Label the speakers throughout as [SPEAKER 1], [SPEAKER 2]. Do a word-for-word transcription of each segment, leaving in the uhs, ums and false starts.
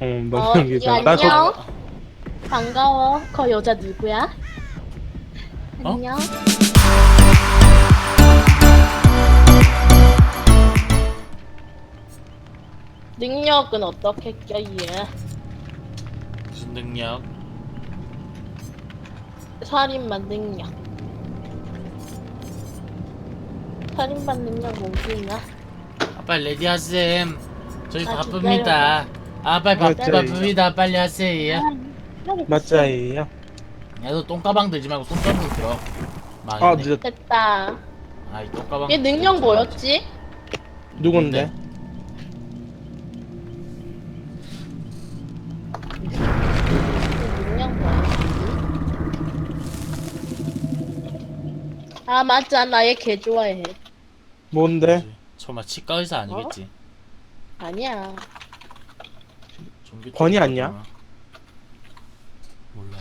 [SPEAKER 1] 어,
[SPEAKER 2] 어,
[SPEAKER 1] 너무 연기자.
[SPEAKER 2] 이
[SPEAKER 1] 나 거,
[SPEAKER 2] 안녕. 반가워. 거 여자 누구야?
[SPEAKER 3] 어?
[SPEAKER 2] 안녕. 능력은 어떻게 껴, 얘?
[SPEAKER 3] 무슨 능력?
[SPEAKER 2] 살인만 능력. 살인만 능력 뭐있나?
[SPEAKER 3] 아, 빨리 레디 하셈. 저희
[SPEAKER 2] 아,
[SPEAKER 3] 바쁩니다. 아, 빨리 바,
[SPEAKER 1] 맞아요.
[SPEAKER 3] 바쁩니다. 빨리 하세요.
[SPEAKER 1] 맞자예요.
[SPEAKER 3] 야너 똥가방 들지 말고 손잡고 들어.
[SPEAKER 1] 아,
[SPEAKER 3] 망했네.
[SPEAKER 1] 늦었.
[SPEAKER 2] 됐다.
[SPEAKER 3] 아이 똥가방.
[SPEAKER 2] 얘 능력 뭐였지?
[SPEAKER 1] 누군데?
[SPEAKER 2] 얘 능력 뭐였지? 아 맞아, 나 얘 개 좋아해.
[SPEAKER 1] 뭔데?
[SPEAKER 3] 설마 치과 의사 아니겠지?
[SPEAKER 2] 아니야.
[SPEAKER 3] 종교
[SPEAKER 1] 권위
[SPEAKER 3] 쪽인가
[SPEAKER 1] 아니야?
[SPEAKER 3] 보나? 몰라.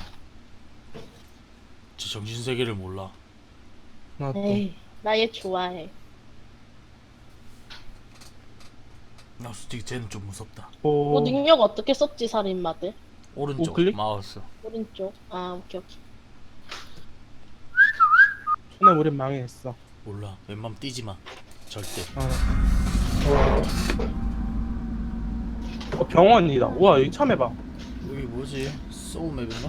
[SPEAKER 3] 제 정신 세계를 몰라.
[SPEAKER 1] 나 또.
[SPEAKER 2] 에이, 나 얘 좋아해.
[SPEAKER 3] 나 솔직히 쟤는 좀 무섭다.
[SPEAKER 1] 오.
[SPEAKER 2] 뭐 능력 어떻게 썼지, 살인마들?
[SPEAKER 3] 오른쪽
[SPEAKER 1] 우클릭?
[SPEAKER 3] 마우스.
[SPEAKER 2] 오른쪽. 아, 오케이, 오케이.
[SPEAKER 1] 손에 우린 망했어.
[SPEAKER 3] 몰라. 웬만하면 뛰지 마. 절대.
[SPEAKER 1] 어. 어, 병원이다. 우와, 여기 처음 해봐.
[SPEAKER 3] 여기 뭐지? 소우맵인가?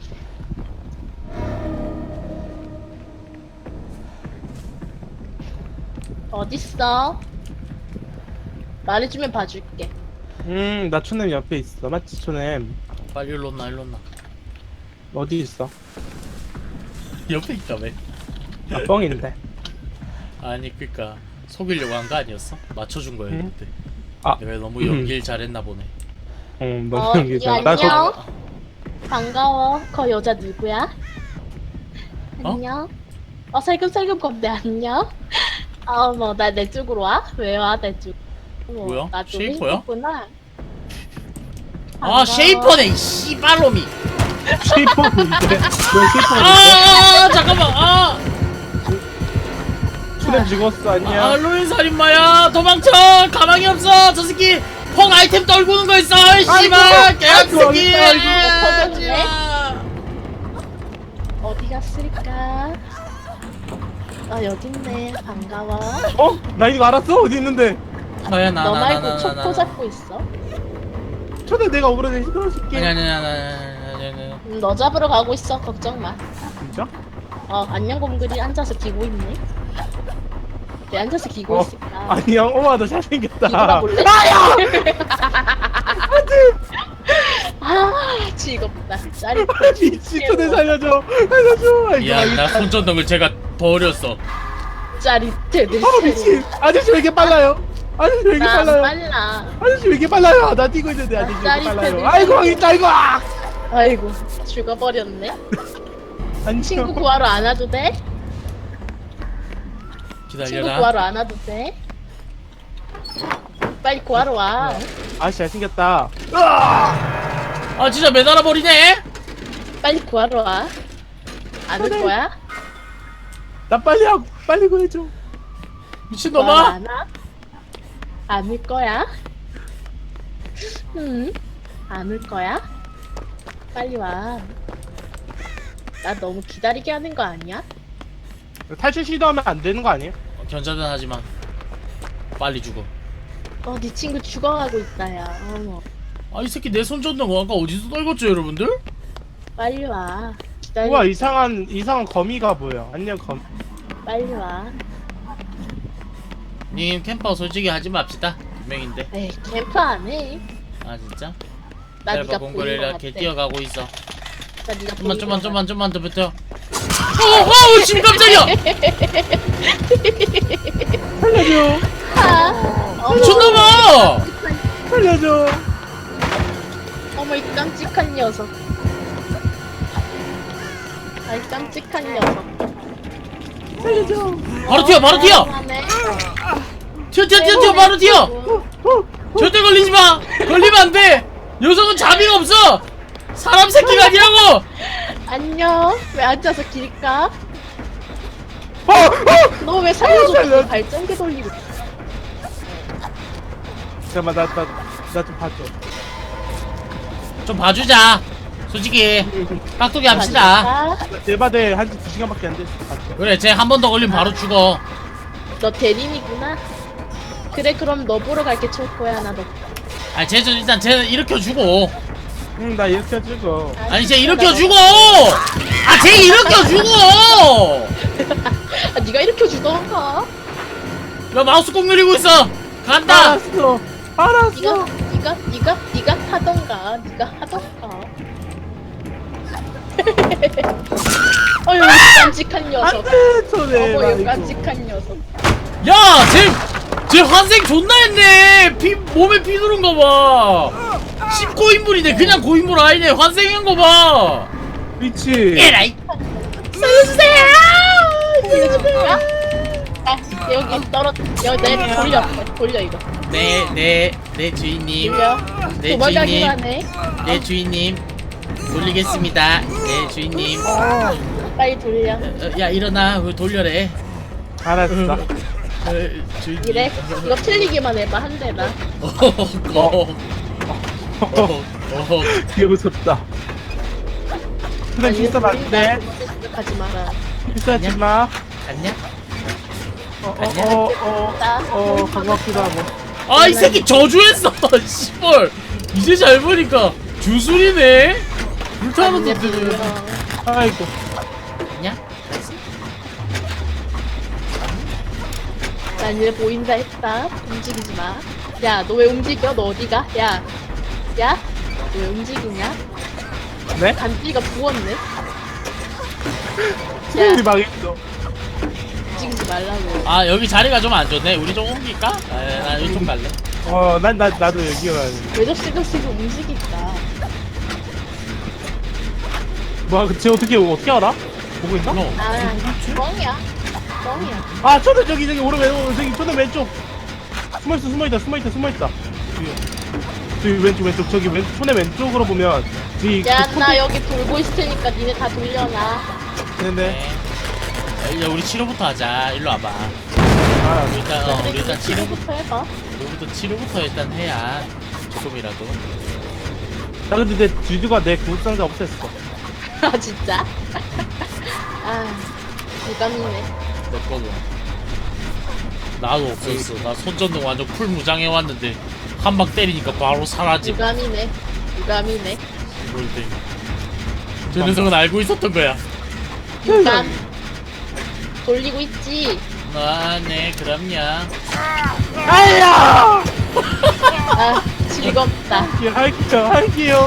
[SPEAKER 2] 어딨어? 말해주면 봐줄게.
[SPEAKER 1] 음, 나 초냄 옆에 있어. 맞지, 초냄?
[SPEAKER 3] 빨리 일로 온나 일로 온나.
[SPEAKER 1] 어디 있어?
[SPEAKER 3] 옆에 있다며.
[SPEAKER 1] 나 뻥인데.
[SPEAKER 3] 아니 그니까 속이려고 한 거 아니었어? 맞춰준 거였는데.
[SPEAKER 1] 아,
[SPEAKER 3] 내가 너무
[SPEAKER 1] 음.
[SPEAKER 3] 연기를 잘했나 보네.
[SPEAKER 1] 어, 너무
[SPEAKER 2] 어,
[SPEAKER 1] 연기자.
[SPEAKER 2] 이
[SPEAKER 1] 나
[SPEAKER 2] 안녕.
[SPEAKER 1] 거,
[SPEAKER 2] 반가워. 거 여자 누구야?
[SPEAKER 3] 어?
[SPEAKER 2] 안녕. 어, 살금살금 건데 안녕. 아, 어머, 나 내 쪽으로 와? 왜 와, 내 쪽? 어머,
[SPEAKER 3] 뭐야?
[SPEAKER 2] 나좀
[SPEAKER 3] 쉐이퍼야?
[SPEAKER 2] 힘들구나.
[SPEAKER 3] 아
[SPEAKER 2] 반가워.
[SPEAKER 3] 쉐이퍼네 이 씨발놈이.
[SPEAKER 1] 쉐이퍼인데. 너 쉐이퍼인데?
[SPEAKER 3] 아 잠깐만. 아,
[SPEAKER 1] 초냄 죽었어,
[SPEAKER 3] 아
[SPEAKER 1] 아니야?
[SPEAKER 3] 로인 살인마야. 도망쳐. 가망이 없어. 저 새끼 펑 아이템 떨구는 거 있어. 이 씨발 개새끼.
[SPEAKER 1] 아이고,
[SPEAKER 2] 아이고, 터졌네.
[SPEAKER 3] 아,
[SPEAKER 2] 어디 갔을까? 아, 여기 있네. 반가워.
[SPEAKER 1] 어? 나 이거 알았어? 어디 있는데?
[SPEAKER 3] 저야 나
[SPEAKER 2] 너
[SPEAKER 3] 나
[SPEAKER 2] 말고
[SPEAKER 3] 나나나
[SPEAKER 2] 촉포 잡고 있어?
[SPEAKER 1] 초냄 내가 오버레이 시켜줄게.
[SPEAKER 3] 아니 아니 아니 아니 아니 아니.
[SPEAKER 2] 음, 너 잡으러 가고 있어. 걱정 마.
[SPEAKER 1] 진짜?
[SPEAKER 2] 어, 안녕 곰글이 앉아서 기고 있네. 왜 앉아서 기고
[SPEAKER 1] 어,
[SPEAKER 2] 있을까?
[SPEAKER 1] 아니야, 엄마 너 잘생겼다.
[SPEAKER 2] 기고라 볼래?
[SPEAKER 1] 아야!
[SPEAKER 2] 아, 즐겁다. 짜릿해.
[SPEAKER 1] 미친 초냄 살려줘. 살려줘. 아이고,
[SPEAKER 3] 미안 나
[SPEAKER 1] 아이고.
[SPEAKER 3] 손전등을 제가 버렸어.
[SPEAKER 2] 짜릿해. 내
[SPEAKER 1] 아, 미친. 아저씨 왜 이렇게 빨라요? 아저씨 왜 이렇게
[SPEAKER 2] 나
[SPEAKER 1] 빨라요?
[SPEAKER 2] 빨라.
[SPEAKER 1] 아저씨 왜 이렇게 빨라요? 나 뛰고 있는데 아저씨 왜 이렇게
[SPEAKER 2] 짜릿해,
[SPEAKER 1] 빨라요?
[SPEAKER 2] 내
[SPEAKER 1] 아이고,
[SPEAKER 2] 짜릿해.
[SPEAKER 1] 있다, 이거! 아!
[SPEAKER 2] 아이고, 죽어버렸네.
[SPEAKER 1] 안녕.
[SPEAKER 2] 친구 구하러 안 와도 돼? 친구
[SPEAKER 3] 기다려라.
[SPEAKER 2] 구하러 안 와도 돼? 빨리 구하러 와.
[SPEAKER 1] 아저씨 잘생겼다.
[SPEAKER 3] 아 진짜 매달아 버리네.
[SPEAKER 2] 빨리 구하러 와. 안 올 거야?
[SPEAKER 1] 나 빨리 하고, 빨리 구해줘.
[SPEAKER 2] 구하러
[SPEAKER 3] 미친놈아.
[SPEAKER 2] 안 와? 안 올 거야? 응? 안 올 거야? 빨리 와. 나 너무 기다리게 하는 거 아니야?
[SPEAKER 1] 탈출 시도하면 안 되는 거 아니에요?
[SPEAKER 3] 견자단 하지마. 빨리 죽어.
[SPEAKER 2] 어, 네 친구 죽어가고 있다, 야. 어머.
[SPEAKER 3] 아 이 새끼 내 손전등 아까 어디서 떨궜죠 여러분들?
[SPEAKER 2] 빨리 와. 기다리.
[SPEAKER 1] 우와, 이상한, 이상한 거미가 보여. 안녕, 거미.
[SPEAKER 2] 빨리 와.
[SPEAKER 3] 님 캠퍼 솔직히 하지 맙시다. 두 명인데.
[SPEAKER 2] 에이, 캠프 안 해.
[SPEAKER 3] 아 진짜?
[SPEAKER 2] 나
[SPEAKER 3] 짧아
[SPEAKER 2] 네가
[SPEAKER 3] 공글
[SPEAKER 2] 보인 거
[SPEAKER 3] 이렇게
[SPEAKER 2] 같아.
[SPEAKER 3] 뛰어가고 있어.
[SPEAKER 2] 나 네가
[SPEAKER 3] 좀만
[SPEAKER 2] 보인
[SPEAKER 3] 좀만
[SPEAKER 2] 거
[SPEAKER 3] 좀만 좀만 더 버텨. 어어 지금 깜짝이야.
[SPEAKER 1] 살려줘.
[SPEAKER 2] 같아. 어머,
[SPEAKER 3] 미쳤나봐.
[SPEAKER 1] 살려줘.
[SPEAKER 2] 어머, 이 깜찍한 녀석. 아이, 깜찍한 녀석.
[SPEAKER 1] 살려줘.
[SPEAKER 3] 바로 튀어 바로 튀어.
[SPEAKER 2] 하네.
[SPEAKER 3] 튀어 튀어 튀어 튀어 바로 튀어. 절대 걸리지 마. 걸리면 안 돼. 녀석은 자비가 없어. 사람 새끼가 아니라고.
[SPEAKER 2] 안녕. 왜 앉아서 길까?
[SPEAKER 1] 어, 어!
[SPEAKER 2] 너 왜 살려줘?
[SPEAKER 1] 살려.
[SPEAKER 2] 발전기 돌리고.
[SPEAKER 1] 잠깐만, 나, 나, 나 좀 봐줘.
[SPEAKER 3] 좀 봐주자. 솔직히 깍두기 합시다.
[SPEAKER 2] 아,
[SPEAKER 1] 대바대 한두 시간밖에 안 됐어.
[SPEAKER 3] 그래, 쟤 한 번 더 걸리면 바로 죽어.
[SPEAKER 2] 너 대리인이구나. 그래 그럼 너 보러 갈게 초코야 나 너.
[SPEAKER 3] 아니, 쟤 좀 일단 쟤는 일으켜주고.
[SPEAKER 1] 응, 나 이렇게 해주고.
[SPEAKER 3] 아니, 쟤 일으켜주고! 아, 쟤 일으켜주고!
[SPEAKER 2] 아 네가 일으켜 주던가.
[SPEAKER 3] 야, 마우스 꾹 누리고 있어! 간다!
[SPEAKER 1] 알았어.
[SPEAKER 2] 네가
[SPEAKER 1] 알았어.
[SPEAKER 2] 네가 네가 네가 하던가. 네가 하던가. 어휴 깜찍한 녀석.
[SPEAKER 1] 안돼, 손에.
[SPEAKER 2] 어머 깜찍한 녀석.
[SPEAKER 3] 야! 쟤, 쟤 환생 존나 했네! 피, 몸에 피 누른 거 봐! 십 고인물이네. 그냥 고인물 아니네. 환생한 거 봐!
[SPEAKER 1] 그렇지.
[SPEAKER 3] 에라이!
[SPEAKER 2] 살려주세요. 살려주세요. 아 여기 떨어 여기 내 돌려 돌려 이거.
[SPEAKER 3] 네, 네, 네, 주인님.
[SPEAKER 2] 돌려.
[SPEAKER 3] 네,
[SPEAKER 2] 도망가기만
[SPEAKER 3] 주인님.
[SPEAKER 2] 해.
[SPEAKER 3] 네, 주인님. 돌리겠습니다. 네, 주인님.
[SPEAKER 2] 빨리 돌려.
[SPEAKER 3] 어, 야, 일어나. 그거 돌려래.
[SPEAKER 1] 알았어.
[SPEAKER 3] 어, 주인님.
[SPEAKER 2] 이래 이거 틀리기만 해봐 한 대나.
[SPEAKER 3] 어허, 어허, 어허.
[SPEAKER 1] 되게 무섭다. 근데 비싸 맞네.
[SPEAKER 2] 하지 마라.
[SPEAKER 1] 비싸지 마.
[SPEAKER 3] 갔냐?
[SPEAKER 1] 어어어어 반갑기도 하고.
[SPEAKER 3] 아, 이 새끼 저주했어. 씨발. 이제 잘 보니까 주술이네. 불타는
[SPEAKER 2] 이제
[SPEAKER 3] 놈들.
[SPEAKER 2] 돌려.
[SPEAKER 1] 아이고.
[SPEAKER 3] 갔냐? 갔어?
[SPEAKER 2] 난 이제 보인다 했다. 움직이지 마. 야, 너 왜 움직여? 너 어디가? 야, 야, 너 왜 움직이냐?
[SPEAKER 1] 네?
[SPEAKER 2] 간지가 부었네.
[SPEAKER 1] 우리
[SPEAKER 2] 야,
[SPEAKER 1] 망했어.
[SPEAKER 2] 움직이지 말라고.
[SPEAKER 3] 아, 여기 자리가 좀 안 좋네. 우리 좀 옮길까? 아, 나 이쪽 갈래.
[SPEAKER 1] 어, 난 나 나도 여기가 가야 돼.
[SPEAKER 2] 왜 저 시금시금 움직인다.
[SPEAKER 1] 뭐야, 쟤 어떻게 어떻게 알아? 보고 있나?
[SPEAKER 3] 너.
[SPEAKER 2] 아, 뻥이야. 뻥이야.
[SPEAKER 1] 아, 초대 저기 저기 오른 왼 저기 초대 왼쪽. 숨어 있어, 숨어 있다, 숨어 있다, 숨어 있다. 저기, 저기 왼쪽 왼쪽 저기 왼 초대 왼쪽으로 보면 저기
[SPEAKER 2] 야,
[SPEAKER 1] 그
[SPEAKER 2] 나 여기 돌고 있을 테니까 니네 다 돌려놔.
[SPEAKER 1] 네네.
[SPEAKER 3] 네. 야, 우리 치료부터 하자. 일로 와봐.
[SPEAKER 1] 아,
[SPEAKER 3] 우리 일단, 어, 우리
[SPEAKER 2] 그래,
[SPEAKER 3] 일단 치료,
[SPEAKER 2] 치료부터 해봐.
[SPEAKER 3] 우리부터 치료부터 일단 해야 조금이라도.
[SPEAKER 1] 나 근데 내 주주가 내 구급상자 없앴어.
[SPEAKER 2] 아, 진짜? 아, 유감이네.
[SPEAKER 3] 내 거도. 나도 없었어. 나 손전등 완전 풀 무장해 왔는데 한 방 때리니까 바로 사라짐.
[SPEAKER 2] 유감이네. 유감이네.
[SPEAKER 3] 뭘 때? 저 녀석은 알고 있었던 거야.
[SPEAKER 2] 유감. 돌리고 있지.
[SPEAKER 3] 아, 네, 그럼요.
[SPEAKER 1] 아야!
[SPEAKER 2] 아, 즐겁다.
[SPEAKER 1] 예, 할게요, 할게요.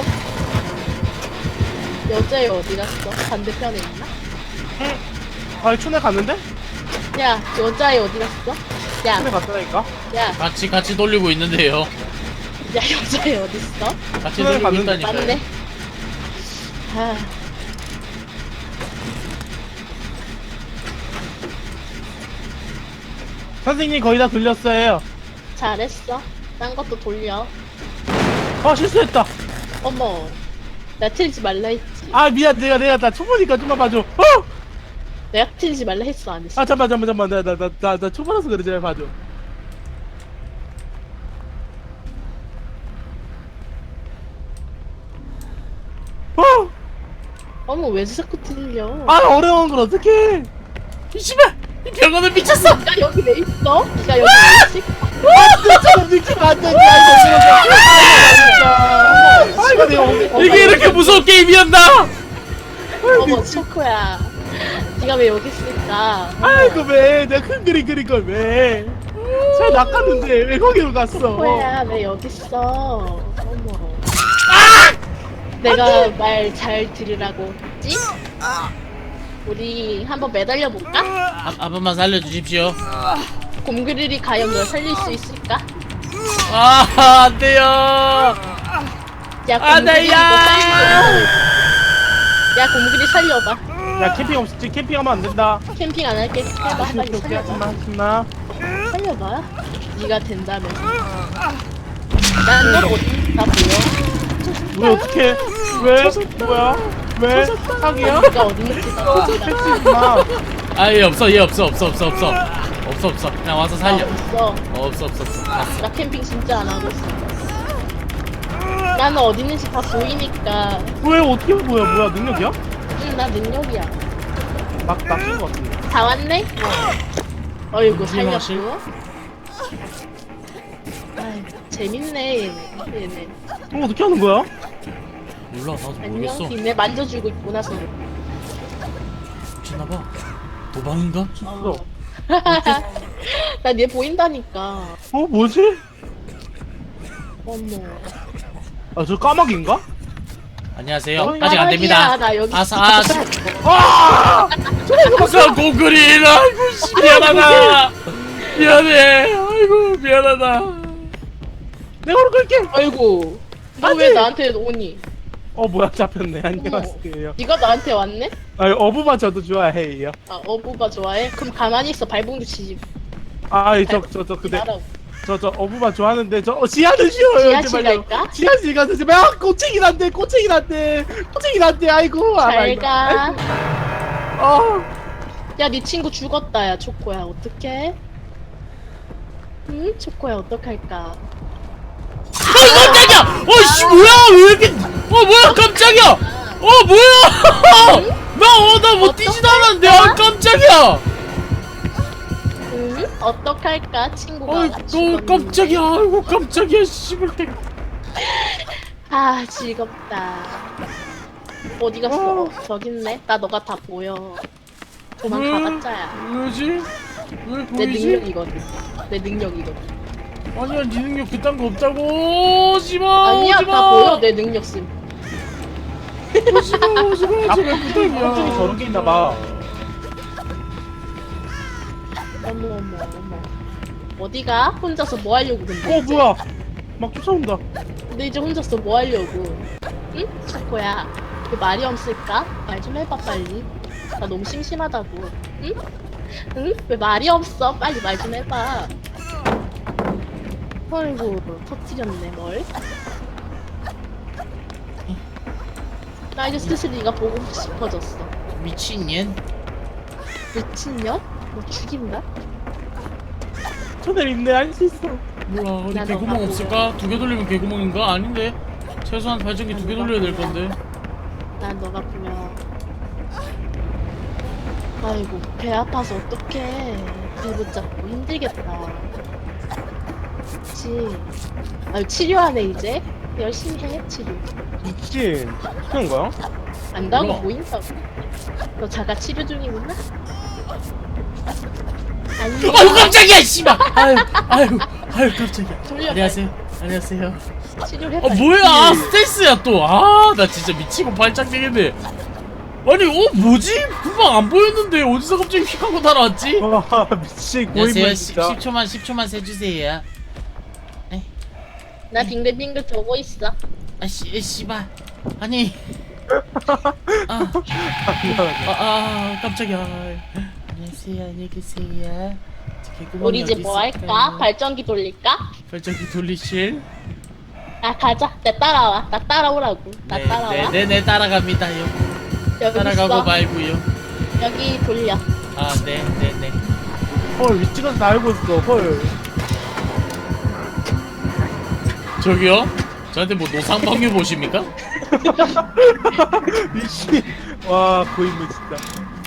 [SPEAKER 2] 여자애 어디 갔어? 반대편에 있나?
[SPEAKER 1] 아, 촌에 갔는데?
[SPEAKER 2] 야, 여자애 어디 갔어? 야,
[SPEAKER 1] 촌에 갔다니까?
[SPEAKER 2] 야,
[SPEAKER 3] 같이 같이 돌리고 있는데요.
[SPEAKER 2] 야, 여자애 어디 있어?
[SPEAKER 3] 같이
[SPEAKER 1] 그래,
[SPEAKER 3] 돌리고
[SPEAKER 1] 봤는데.
[SPEAKER 3] 있다니까요.
[SPEAKER 2] 맞네. 아,
[SPEAKER 1] 선생님 거의 다 돌렸어요.
[SPEAKER 2] 잘했어. 딴 것도 돌려.
[SPEAKER 1] 아, 실수했다.
[SPEAKER 2] 어머, 나 틀지 말라 했지.
[SPEAKER 1] 아, 미안, 내가 내가 나 초보니까 좀만 봐줘. 어!
[SPEAKER 2] 내가 틀지 말라 했어, 안 했어?
[SPEAKER 1] 아, 잠만, 잠만, 잠만, 나, 나, 나, 나, 나 초보라서 그래, 제발 봐줘. 어!
[SPEAKER 2] 어머, 왜 자꾸 틀려?
[SPEAKER 1] 아, 어려운 걸 어떡해!
[SPEAKER 3] 이 씨발! 이 병원은 미쳤어!
[SPEAKER 2] 야, 여기 왜 있어? 야, 여기 왜 있지?
[SPEAKER 1] 안 돼, 저거 느낌 안 돼, 아, 이거 내가 어디,
[SPEAKER 3] 이게 이렇게 무서운 게임이었나?
[SPEAKER 2] 어머, 초코야. 네가 왜 여기 있을까?
[SPEAKER 1] 아이고, 왜, 내가 큰 그림 그린 걸 왜? 잘 낚았는데, 왜 거기로 갔어?
[SPEAKER 2] 초코야, 왜 여기 있어? 어머. 내가 말 잘 들으라고 했지? 우리 한번 매달려 볼까?
[SPEAKER 3] 한, 한 번만 살려주십시오.
[SPEAKER 2] 곰그릴이 과연 널 살릴 수 있을까?
[SPEAKER 3] 아, 안 돼요!
[SPEAKER 2] 야,
[SPEAKER 3] 안
[SPEAKER 2] 곰그릴
[SPEAKER 3] 돼요!
[SPEAKER 2] 이거 살려. 야, 곰그릴 살려봐.
[SPEAKER 1] 야, 캠핑 없지? 캠핑하면 안 된다.
[SPEAKER 2] 캠핑 안 할게. 해봐, 빨리
[SPEAKER 1] 오케이, 오케이,
[SPEAKER 2] 살려봐.
[SPEAKER 1] 하지마, 하지마.
[SPEAKER 2] 살려봐. 네가 된다면서. 난너 어디 다 보여.
[SPEAKER 1] 왜, 어떡해? 왜? 뭐야? 왜? 사기야?
[SPEAKER 2] 네가 어디 있는지 다 보여.
[SPEAKER 1] 패치지 마.
[SPEAKER 3] 아, 얘 없어, 얘 없어, 없어, 없어, 없어. 없어, 없어. 그냥 와서 살려.
[SPEAKER 2] 아, 없어.
[SPEAKER 3] 어, 없어, 없어, 없어. 갔어.
[SPEAKER 2] 나 캠핑 진짜 안 하고 있어. 나는 어디 있는지 다 보이니까.
[SPEAKER 1] 왜 어떻게 뭐야 뭐야 능력이야?
[SPEAKER 2] 응, 나 능력이야.
[SPEAKER 1] 막 낚인 것 같은데.
[SPEAKER 2] 다 왔네? 어이구,
[SPEAKER 3] 무슨
[SPEAKER 2] 살렸고. 아이, 재밌네, 얘네. 얘네.
[SPEAKER 1] 어 어떻게 하는 거야?
[SPEAKER 3] 몰라 나도
[SPEAKER 2] 안녕,
[SPEAKER 3] 모르겠어.
[SPEAKER 2] 니네 만져주고 있구나, 서로.
[SPEAKER 3] 미쳤나봐. 도망인가?
[SPEAKER 2] 어. 나얘 보인다니까.
[SPEAKER 1] 어 뭐지?
[SPEAKER 2] 어머.
[SPEAKER 1] 아 저 까마귀인가?
[SPEAKER 3] 안녕하세요.
[SPEAKER 2] 어,
[SPEAKER 3] 아직 안 됩니다.
[SPEAKER 2] 까마귀야, 나 여기
[SPEAKER 3] 아사 아사
[SPEAKER 1] 아!
[SPEAKER 3] 아사 고그린 아이고 씨, 미안하다. 미안해. 아이고 미안하다.
[SPEAKER 1] 내가 오늘 끌게.
[SPEAKER 2] 아이고. 너
[SPEAKER 1] 안
[SPEAKER 2] 왜
[SPEAKER 1] 돼.
[SPEAKER 2] 나한테 오니?
[SPEAKER 1] 어 뭐야 잡혔네. 안녕하세요.
[SPEAKER 2] 네가 나한테 왔네?
[SPEAKER 1] 아 어부만 저도 좋아해요.
[SPEAKER 2] 아, 어부가 좋아해? 그럼 가만히 있어. 발봉도 치지.
[SPEAKER 1] 아저저저 근데
[SPEAKER 2] 말하고.
[SPEAKER 1] 저 저 어부만 좋아하는데 저 어, 지하는 싫어요.
[SPEAKER 2] 지하실
[SPEAKER 1] 제발요.
[SPEAKER 2] 갈까?
[SPEAKER 1] 지하실 가서 제발 아 꼬챙이 난데 꼬챙이 난데 꼬챙이 난데 아이고. 아,
[SPEAKER 2] 잘
[SPEAKER 1] 아이고.
[SPEAKER 2] 가.
[SPEAKER 1] 어.
[SPEAKER 2] 야, 네 친구 죽었다, 야, 초코야. 어떡해? 응? 초코야, 어떡할까?
[SPEAKER 3] 어이 깜짝이야. 어이씨 뭐야 왜 이렇게 어 뭐야 깜짝이야. 어 뭐야. 나어나 뭐 뛰지도 않았는데 아 깜짝이야.
[SPEAKER 2] 응? 어떡할까? 친구가
[SPEAKER 3] 어이
[SPEAKER 2] 죽었는데.
[SPEAKER 3] 어 깜짝이야. 아이고 깜짝이야 씨발 때.
[SPEAKER 2] 아, 즐겁다. 어디 갔어? 어, 저기 있네. 나 너가 다 보여. 도망가봤자야.
[SPEAKER 3] 왜지? 왜
[SPEAKER 2] 내
[SPEAKER 3] 보이지?
[SPEAKER 2] 능력이거든. 내 능력이거든.
[SPEAKER 3] 아니야 네 능력 그딴 거 없다고 오지마
[SPEAKER 2] 아니야,
[SPEAKER 3] 오지마
[SPEAKER 2] 다 보여. 내 능력 씀.
[SPEAKER 3] 오지마 오지마 제발
[SPEAKER 1] 앞쪽에
[SPEAKER 3] 부탁이야
[SPEAKER 1] 깜짝이 저런 게 있나 봐.
[SPEAKER 2] 어머, 어머, 어머. 어디가? 혼자서 뭐 하려고 근데?
[SPEAKER 1] 어 뭐야? 막 쫓아온다.
[SPEAKER 2] 근데 이제 혼자서 뭐 하려고? 응? 초코야. 그 말이 없을까? 말 좀 해봐 빨리. 나 너무 심심하다고. 응? 응? 왜 말이 없어? 빨리 말 좀 해봐. 아이고 터뜨렸네 뭘. 나 이제 슬슬 네가 보고 싶어졌어.
[SPEAKER 3] 미친년
[SPEAKER 2] 미친년? 너 죽인다?
[SPEAKER 1] 저들 있네 할 수 있어.
[SPEAKER 3] 몰라 어디
[SPEAKER 2] 나
[SPEAKER 3] 개구멍
[SPEAKER 2] 너가
[SPEAKER 3] 없을까? 두 개 돌리면 개구멍인가? 아닌데 최소한 발전기 두 개 돌려야 될 건데
[SPEAKER 2] 난 너가 보면 아이고 배 아파서 어떡해. 배 붙잡고 힘들겠다. 그치. 아유 치료하네 이제. 열심히 해 치료.
[SPEAKER 1] 미친. 그런 거야?
[SPEAKER 2] 안다고
[SPEAKER 3] 몰라.
[SPEAKER 2] 보인다고. 너 자가 치료 중이구나? 아니
[SPEAKER 3] 아유 깜짝이야 씨발 아유 아유 아유 깜짝이야
[SPEAKER 2] 돌려,
[SPEAKER 3] 안녕하세요 안녕하세요
[SPEAKER 2] 치료해봐.
[SPEAKER 3] 아 뭐야 아 스트레스야 또 아 나 진짜 미치고 발작 되겠네 아니 어 뭐지? 금방 안 보였는데 어디서 갑자기 휙 하고 날아왔지?
[SPEAKER 1] 와 미친 고인물
[SPEAKER 3] 안녕하세요
[SPEAKER 1] 진짜.
[SPEAKER 3] 십 초만 십 초만 세주세요
[SPEAKER 2] 나 빙글빙글 돌고 있어.
[SPEAKER 3] 아 씨, 씨발 아니 아, 아, 아 깜짝이야 안녕하세요 안녕히 계세요 저 개구멍이
[SPEAKER 2] 우리 이제
[SPEAKER 3] 어디
[SPEAKER 2] 뭐
[SPEAKER 3] 있을까요?
[SPEAKER 2] 할까? 발전기 돌릴까?
[SPEAKER 3] 발전기 돌리실?
[SPEAKER 2] 아 가자. 나 따라와. 나 따라오라고. 나 따라와.
[SPEAKER 3] 네네네 따라갑니다요
[SPEAKER 2] 여기
[SPEAKER 3] 따라가고
[SPEAKER 2] 있어.
[SPEAKER 3] 말고요
[SPEAKER 2] 여기 돌려.
[SPEAKER 3] 아 네네네
[SPEAKER 1] 헐 위치가 다 알고 있어. 헐.
[SPEAKER 3] 저기요? 저한테 뭐 노상방류 보십니까?
[SPEAKER 1] 미친. 와 고인물 진짜.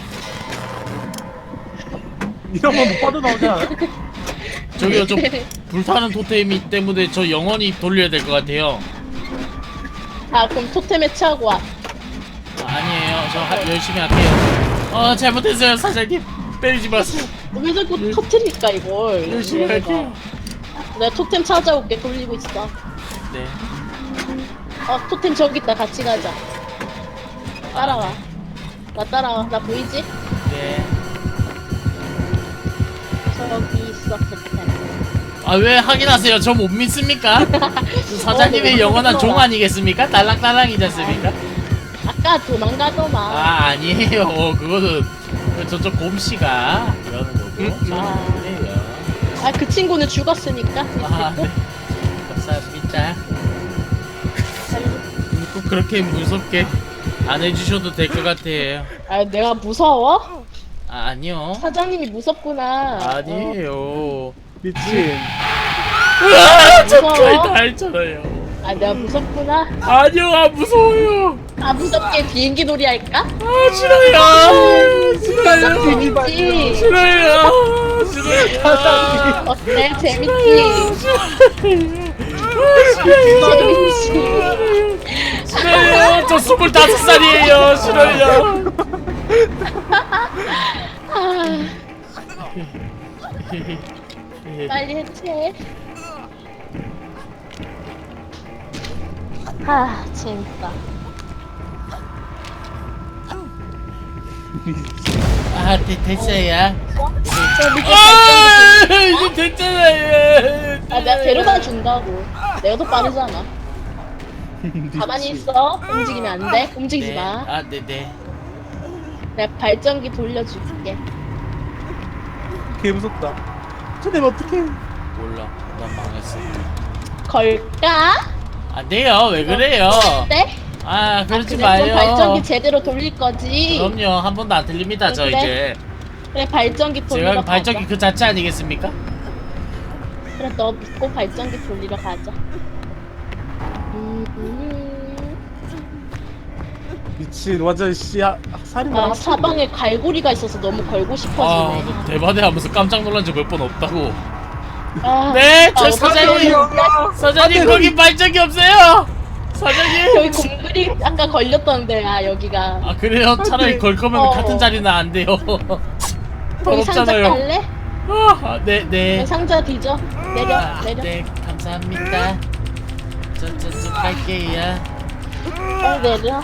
[SPEAKER 1] 이런 건 못 빠져나오지 않아?
[SPEAKER 3] 저기요 저 불타는 토템이 때문에 저 영원히 돌려야 될 것 같아요
[SPEAKER 2] 아 그럼 토템 해체하고 와.
[SPEAKER 3] 아, 아니에요 저 하, 열심히 할게요 아 잘못했어요 사장님 때리지 마세요
[SPEAKER 2] 왜 자꾸 터트릴까 이걸.
[SPEAKER 3] 열심히
[SPEAKER 2] 얘네가.
[SPEAKER 3] 할게요
[SPEAKER 2] 내가 토템 찾아올게. 돌리고 있어.
[SPEAKER 3] 네
[SPEAKER 2] 어 토템 저기 있다. 같이 가자. 따라와.
[SPEAKER 3] 아,
[SPEAKER 2] 나 따라와. 나 보이지?
[SPEAKER 3] 네.
[SPEAKER 2] 저기 있어 토템.
[SPEAKER 3] 아 왜 확인하세요? 저 못 믿습니까? 저 사장님의
[SPEAKER 2] 어,
[SPEAKER 3] 영원한
[SPEAKER 2] 너무
[SPEAKER 3] 종
[SPEAKER 2] 힘들어.
[SPEAKER 3] 아니겠습니까? 달랑달랑이지 않습니까?
[SPEAKER 2] 아까 도망가더만.
[SPEAKER 3] 아 아니에요 어, 그거는 그 저쪽 곰씨가 그러는 거고
[SPEAKER 1] 음,
[SPEAKER 3] 저는
[SPEAKER 2] 아.
[SPEAKER 3] 아니에요
[SPEAKER 2] 아 그 친구는 죽었으니까.
[SPEAKER 3] 아 네. 감사합니다 꼭 그렇게 무섭게 안 해주셔도 될 것 같아요
[SPEAKER 2] 아 내가 무서워?
[SPEAKER 3] 아 아니요
[SPEAKER 2] 사장님이 무섭구나.
[SPEAKER 3] 아니에요
[SPEAKER 1] 미친.
[SPEAKER 3] 으아! 저
[SPEAKER 2] 무서워?
[SPEAKER 3] 거의 다 했잖아요
[SPEAKER 2] 어. 아 내가 무섭구나.
[SPEAKER 3] 아니요, 안 무서워요.
[SPEAKER 2] 아 무섭게 비행기 놀이 할까?
[SPEAKER 3] 아, 싫어요. 싫어요.
[SPEAKER 2] 재밌지?
[SPEAKER 3] 싫어요. 싫어요.
[SPEAKER 2] 어때? 재밌지?
[SPEAKER 3] 싫어요. 싫어요. 저 스물다섯 살이에요. 싫어요.
[SPEAKER 2] 아, 빨리 해체. 아 재밌다.
[SPEAKER 3] 아, 되, 됐어요.
[SPEAKER 2] 저 밑에
[SPEAKER 3] 아,
[SPEAKER 2] 발전기
[SPEAKER 3] 이제 됐잖아요.
[SPEAKER 2] 아 내가 데려다 준다고. 내가 더 빠르잖아. 가만히 있어. 움직이면 안 돼. 움직이지
[SPEAKER 3] 네.
[SPEAKER 2] 마.
[SPEAKER 3] 아, 네, 네.
[SPEAKER 2] 내가 발전기 돌려줄게.
[SPEAKER 1] 개 무섭다. 저 내면 어떡해.
[SPEAKER 3] 몰라. 난 망했어.
[SPEAKER 2] 걸까?
[SPEAKER 3] 안 돼요. 왜 그래요?
[SPEAKER 2] 네?
[SPEAKER 3] 아, 그러지
[SPEAKER 2] 아, 그래,
[SPEAKER 3] 마요.
[SPEAKER 2] 그럼 발전기 제대로 돌릴 거지.
[SPEAKER 3] 그럼요. 한 번도 안 들립니다. 저
[SPEAKER 2] 그래?
[SPEAKER 3] 이제.
[SPEAKER 2] 그래 발전기 돌리러
[SPEAKER 3] 제가
[SPEAKER 2] 가자.
[SPEAKER 3] 발전기 그 자체 아니겠습니까?
[SPEAKER 2] 그래 너 믿고 발전기 돌리러 가자. 음, 음.
[SPEAKER 1] 미친 완전 씨야 살인마.
[SPEAKER 2] 아 사방에 갈고리가 있어서 너무 걸고
[SPEAKER 3] 아,
[SPEAKER 2] 싶어지네.
[SPEAKER 3] 너 대바대 하면서 깜짝 놀란 적 몇 번 없다고.
[SPEAKER 2] 아,
[SPEAKER 3] 네, 저
[SPEAKER 2] 아,
[SPEAKER 3] 사장님.
[SPEAKER 2] 어떡해.
[SPEAKER 3] 사장님, 거기 발전기 없어요. 사장님.
[SPEAKER 2] 여기 공들이 아까 걸렸던데 아 여기가.
[SPEAKER 3] 아, 그래요? 차라리 걸 거면
[SPEAKER 2] 어.
[SPEAKER 3] 같은 자리는 안 돼요.
[SPEAKER 2] 거기 상자
[SPEAKER 3] 더럽잖아요.
[SPEAKER 2] 깔래?
[SPEAKER 3] 아, 네, 네.
[SPEAKER 2] 여기 상자 뒤져. 내려
[SPEAKER 3] 아,
[SPEAKER 2] 내려.
[SPEAKER 3] 네, 감사합니다. 저, 저, 저, 갈게요.
[SPEAKER 2] 빨리 내려.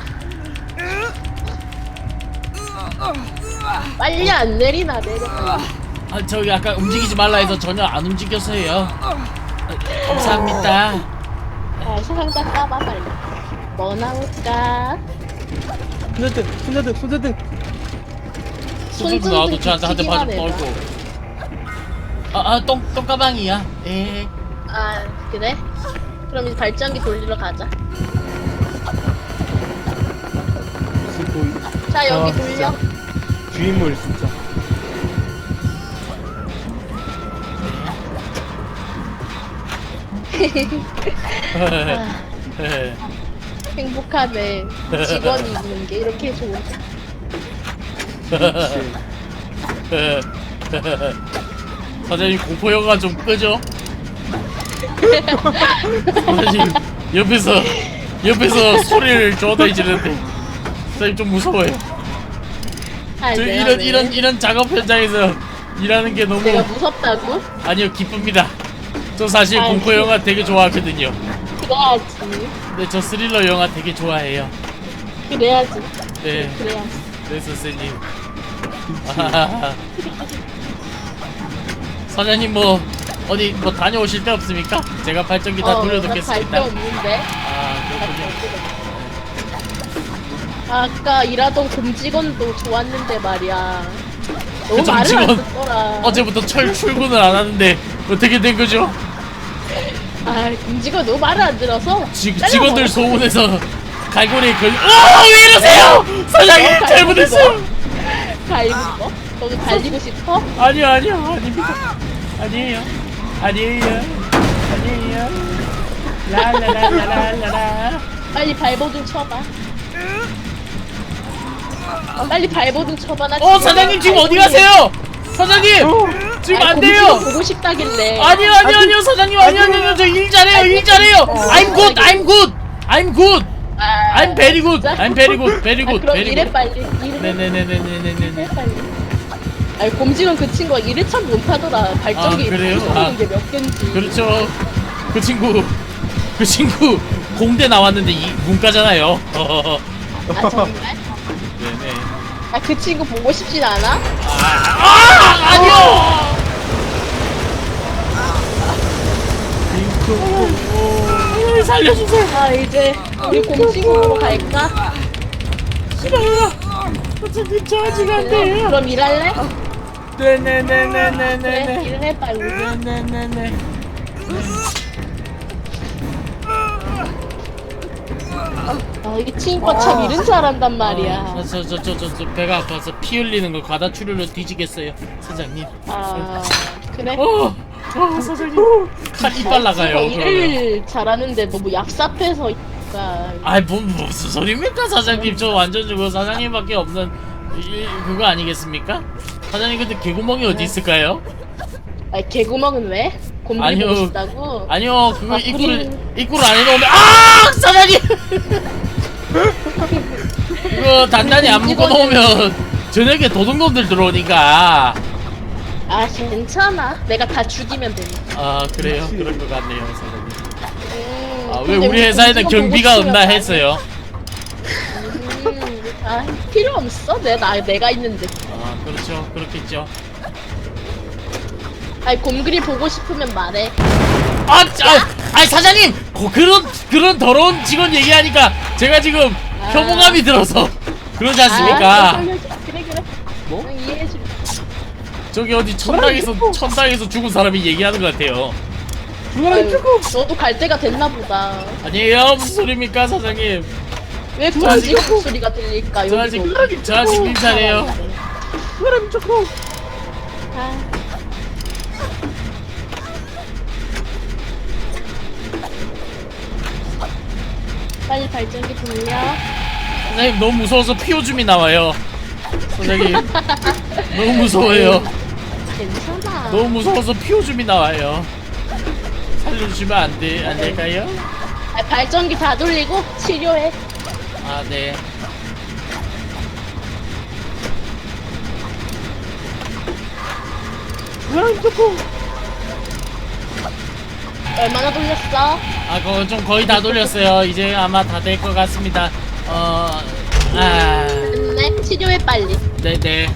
[SPEAKER 2] 빨리 안 내리나 내려.
[SPEAKER 3] 아, 저기 아까 움직이지 말라 해서 전혀 안 움직였어요. 아, 감사합니다.
[SPEAKER 2] 아 상자 까봐 빨리. 뭐 나올까?
[SPEAKER 1] 손자등 손자등 손자등.
[SPEAKER 3] 손좀 나와도 저한테 한 대 맞을
[SPEAKER 2] 기기만 해봐.
[SPEAKER 3] 뻔고. 아, 아, 똥, 똥가방이야. 예.
[SPEAKER 2] 아 그래? 그럼 이제 발전기 돌리러 가자.
[SPEAKER 1] 지금
[SPEAKER 2] 자 여기
[SPEAKER 1] 아,
[SPEAKER 2] 돌려.
[SPEAKER 1] 진짜. 주인물 진짜.
[SPEAKER 2] 행복하네. 직원이 있는 게 이렇게 좋은.
[SPEAKER 3] 사장님 공포 영화 좀 끄죠? 사장님 옆에서 옆에서 소리를 줘다 지르는데 사장님 좀 무서워요.
[SPEAKER 2] 아,
[SPEAKER 3] 저
[SPEAKER 2] 내가
[SPEAKER 3] 이런
[SPEAKER 2] 왜?
[SPEAKER 3] 이런 이런 작업 현장에서 일하는 게 너무
[SPEAKER 2] 내가 무섭다고?
[SPEAKER 3] 아니요 기쁩니다. 저 사실
[SPEAKER 2] 아,
[SPEAKER 3] 공포
[SPEAKER 2] 그-
[SPEAKER 3] 영화 되게 좋아하거든요.
[SPEAKER 2] 그래야지.
[SPEAKER 3] 근데 저 스릴러 영화 되게 좋아해요.
[SPEAKER 2] 그래야지.
[SPEAKER 3] 네,
[SPEAKER 2] 그래야지.
[SPEAKER 3] 네 선생님. 아하하. 사장님 뭐 어디 뭐 다녀오실 데 없습니까? 제가 발전기 다
[SPEAKER 2] 어,
[SPEAKER 3] 돌려놓겠습니다.
[SPEAKER 2] 나갈데 없는데.
[SPEAKER 3] 아 그렇군요.
[SPEAKER 2] 아까 일하던 곰직원도 좋았는데 말이야. 너무
[SPEAKER 3] 그
[SPEAKER 2] 말을 안
[SPEAKER 3] 곰직원
[SPEAKER 2] 듣더라.
[SPEAKER 3] 어제부터 철 출근을 안 하는데 어떻게 된 거죠?
[SPEAKER 2] 아, 곰직원 너무 말을 안 들어서.
[SPEAKER 3] 지,
[SPEAKER 2] 잘라
[SPEAKER 3] 직원들
[SPEAKER 2] 먹었어.
[SPEAKER 3] 소문에서 갈고리에 걸. 어, 왜 이러세요? 사장님
[SPEAKER 2] 어,
[SPEAKER 3] 잘못했어요.
[SPEAKER 2] 갈리는 거? 너도 갈리고 싶어?
[SPEAKER 3] 아니요 아니요 아닙니다. 아니에요 아니에요 아니에요. 라라라라라라.
[SPEAKER 2] 빨리 발버 좀 쳐봐. 아, 빨리 발버 좀 쳐봐. 나
[SPEAKER 3] 어 사장님 지금 어디 가세요? 사장님 지금 안 돼요.
[SPEAKER 2] 보고 싶다길래.
[SPEAKER 3] 아니요 아니요 아니요 사장님 아니요 아니요 저 일 잘해요 일 잘해요. I'm good I'm good I'm good
[SPEAKER 2] 아,
[SPEAKER 3] I'm very good
[SPEAKER 2] 진짜?
[SPEAKER 3] I'm very good very
[SPEAKER 2] 아,
[SPEAKER 3] good
[SPEAKER 2] 그럼
[SPEAKER 3] very
[SPEAKER 2] 일해
[SPEAKER 3] good.
[SPEAKER 2] 빨리. 일해.
[SPEAKER 3] 네네네네네네네.
[SPEAKER 2] 일해 빨리. 아니 곰직원 그 친구가 일을 참 못하더라. 발전기
[SPEAKER 3] 아, 그래요?
[SPEAKER 2] 부수는
[SPEAKER 3] 아.
[SPEAKER 2] 게 몇 개인지.
[SPEAKER 3] 그렇죠. 그 친구 그 친구 공대 나왔는데 이 문과잖아요.
[SPEAKER 2] 아 정말?
[SPEAKER 3] 네네.
[SPEAKER 2] 아 그 친구 보고 싶진 않아?
[SPEAKER 3] 아 아니요. 어, 살려주세요.
[SPEAKER 2] 아 이제 우리 곰직원으로 갈까?
[SPEAKER 3] 싫어요. 어차피 저 아직 안 돼요.
[SPEAKER 2] 그럼 일할래? 그래
[SPEAKER 3] 네네네네네네네.
[SPEAKER 2] 일을 해 빨리.
[SPEAKER 3] 네네네네.
[SPEAKER 2] 아 이 친구가 참 일은 잘한단 말이야.
[SPEAKER 3] 저저 저 저 저 배가 아파서 피 흘리는 거 과다 출혈로 뒤지겠어요, 사장님.
[SPEAKER 2] 아 그래?
[SPEAKER 3] 어, 아 사장님 칼 이빨 나가요. 그러면.
[SPEAKER 2] 일을 잘하는데 너무 얍삽해서 그러니까
[SPEAKER 3] 아이 뭐 무슨 소리입니까 사장님? 저 완전 저거 사장님밖에 없는 이, 그거 아니겠습니까? 사장님 근데 개구멍이 어디 있을까요?
[SPEAKER 2] 아니 개구멍은 왜? 곰돌이
[SPEAKER 3] 아니요.
[SPEAKER 2] 보고 싶다고?
[SPEAKER 3] 아니요 그거
[SPEAKER 2] 아,
[SPEAKER 3] 입구를
[SPEAKER 2] 그림.
[SPEAKER 3] 입구를 안 해놓으면 아 사장님 그거 단단히 안 묶어놓으면 저녁에 도둑놈들 들어오니까.
[SPEAKER 2] 아 괜찮아 내가 다 죽이면 되니까.
[SPEAKER 3] 아 그래요?
[SPEAKER 1] 그치.
[SPEAKER 3] 그럴 것 같네요 사장님.
[SPEAKER 2] 음,
[SPEAKER 3] 아 왜
[SPEAKER 2] 근데
[SPEAKER 3] 우리 회사에는
[SPEAKER 2] 곰돌이 보고
[SPEAKER 3] 경비가
[SPEAKER 2] 싶으면
[SPEAKER 3] 없나
[SPEAKER 2] 안 해.
[SPEAKER 3] 했어요.
[SPEAKER 2] 음, 아 필요 없어 내가 나, 내가 있는데.
[SPEAKER 3] 아 그렇죠 그렇겠죠.
[SPEAKER 2] 아니 곰돌이 보고 싶으면 말해.
[SPEAKER 3] 아, 아 아니 사장님 고, 그런 그런 더러운 직원 얘기하니까 제가 지금
[SPEAKER 2] 아.
[SPEAKER 3] 혐오감이 들어서 그러지
[SPEAKER 2] 아,
[SPEAKER 3] 않습니까?
[SPEAKER 2] 그래 그래 그래.
[SPEAKER 3] 뭐?
[SPEAKER 2] 응, 이해해줄.
[SPEAKER 3] 저기 어디 천당에서 천당에서 죽은 사람이 얘기하는 것 같아요.
[SPEAKER 1] 죽어라
[SPEAKER 2] 아유,
[SPEAKER 1] 조금.
[SPEAKER 2] 너도 갈 때가 됐나 보다.
[SPEAKER 3] 아니에요 무슨 소리입니까 사장님?
[SPEAKER 2] 왜 곰지 목소리가 들릴까
[SPEAKER 3] 저
[SPEAKER 2] 여기도.
[SPEAKER 3] 아직 저 아직 민사래요.
[SPEAKER 1] 죽어라 조금.
[SPEAKER 2] 아. 빨리 발전기 돌려.
[SPEAKER 3] 사장님 너무 무서워서 피오줌이 나와요. 사장님 너무 무서워요.
[SPEAKER 2] 괜찮아.
[SPEAKER 3] 너무 무서워서 피오줌이 나와요. 살려주시면 안 돼, 안 될까요?
[SPEAKER 2] 아, 발전기 다 돌리고 치료해.
[SPEAKER 3] 아, 네.
[SPEAKER 1] 죽어라 조금.
[SPEAKER 2] 얼마나 돌렸어?
[SPEAKER 3] 아, 그거 좀 거의 다 돌렸어요. 이제 아마 다 될 것 같습니다. 어, 아,
[SPEAKER 2] 됐네. 치료해 빨리.
[SPEAKER 3] 네네.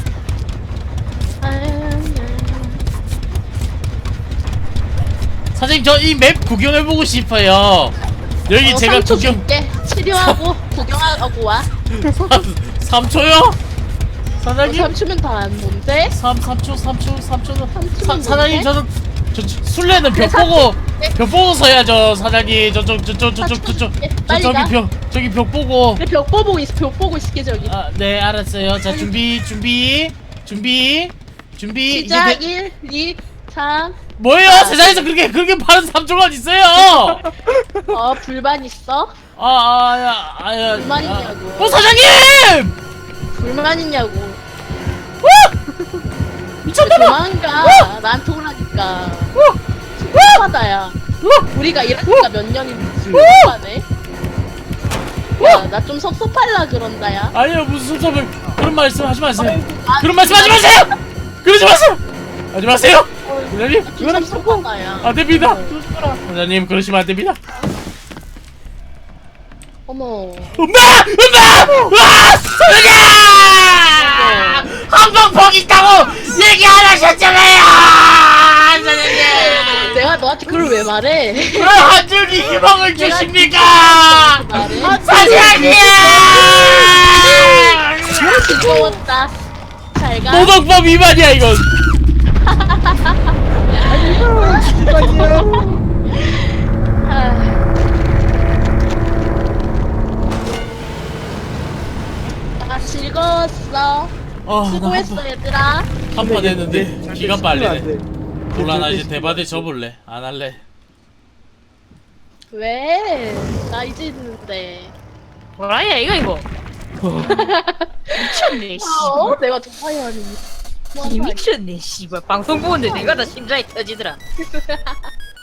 [SPEAKER 3] 사장님, 저 이 맵 구경해보고 싶어요. 여기
[SPEAKER 2] 어,
[SPEAKER 3] 제가
[SPEAKER 2] 삼 초
[SPEAKER 3] 구경,
[SPEAKER 2] 줄게. 치료하고 구경하고 와.
[SPEAKER 3] 삼 초요? 사장님?
[SPEAKER 2] 삼 초면 다 안 뭔데?
[SPEAKER 3] 삼, 삼 초, 삼 초, 삼 초는.
[SPEAKER 2] 삼 초면
[SPEAKER 3] 사, 사장님,
[SPEAKER 2] 뭔데?
[SPEAKER 3] 저는, 저, 저, 술래는 벽
[SPEAKER 2] 그래, 삼
[SPEAKER 3] 보고,
[SPEAKER 2] 초. 네.
[SPEAKER 3] 벽 보고 서야죠, 사장님. 저쪽, 저쪽, 저쪽,
[SPEAKER 2] 삼 초
[SPEAKER 3] 저쪽.
[SPEAKER 2] 줄게.
[SPEAKER 3] 저,
[SPEAKER 2] 빨리
[SPEAKER 3] 저기
[SPEAKER 2] 가.
[SPEAKER 3] 벽, 저기 벽 보고.
[SPEAKER 2] 그래 벽 보고 있어. 벽 보고 있을게 저기.
[SPEAKER 3] 아, 네, 알았어요. 자, 준비, 준비, 준비, 준비. 이제
[SPEAKER 2] 시작.
[SPEAKER 3] 돼-
[SPEAKER 2] 일, 이, 삼.
[SPEAKER 3] 뭐예요?
[SPEAKER 2] 아.
[SPEAKER 3] 세상에서 그렇게, 그렇게 빠른 삼 초간 있어요!
[SPEAKER 2] 어 불만 있어?
[SPEAKER 3] 아, 아, 야, 아, 야.
[SPEAKER 2] 불만
[SPEAKER 3] 아.
[SPEAKER 2] 있냐고.
[SPEAKER 3] 어, 사장님!
[SPEAKER 2] 불만 있냐고.
[SPEAKER 3] 어! 미쳤나봐!
[SPEAKER 2] 도망가. 나한테 오라니까. 하다야. 우리가 일하니까 몇 년인지 모르네. 야, 나 좀 섭섭할라 그런다야.
[SPEAKER 3] 아니요, 무슨 섭섭을. 그런 말씀 하지 마세요.
[SPEAKER 2] 아,
[SPEAKER 3] 그런 말씀 하지 마세요! 그러지 마세요! 하지 마세요! 사장님!
[SPEAKER 2] 좀 섭섭하다야.
[SPEAKER 3] 안 됩니다!
[SPEAKER 1] 죽어라.
[SPEAKER 3] 사장님, 그러시면 안 됩니다.
[SPEAKER 2] 어머.
[SPEAKER 3] 엄마! 엄마! 와! 사장님! 한방 퍽 있다고 얘기 안 하셨잖아요! 사장님!
[SPEAKER 2] 내가 너한테 그걸 왜 말해?
[SPEAKER 3] 왜 한 줄기 희망을
[SPEAKER 2] 내가
[SPEAKER 3] 주십니까?
[SPEAKER 2] 말해?
[SPEAKER 3] 사장님!
[SPEAKER 2] 즐거웠다. 잘 가.
[SPEAKER 3] 노동법 위반이야 이건.
[SPEAKER 1] 죽어라.
[SPEAKER 2] 아. 아, 즐거웠어.
[SPEAKER 3] 아,
[SPEAKER 2] 수고했어 얘들아.
[SPEAKER 3] 한판 했는데 기가 빨리네. 몰라 나 이제
[SPEAKER 1] 대
[SPEAKER 3] 대바대 접을래. 안 할래.
[SPEAKER 2] 왜? 나 이제 있는데.
[SPEAKER 4] 뭐라야 이거 이거 미쳤네
[SPEAKER 2] 어? 내가 도파이언이.
[SPEAKER 4] 씨 미쳤네 씨발 방송 보는데 내가 다 심장이 터지더라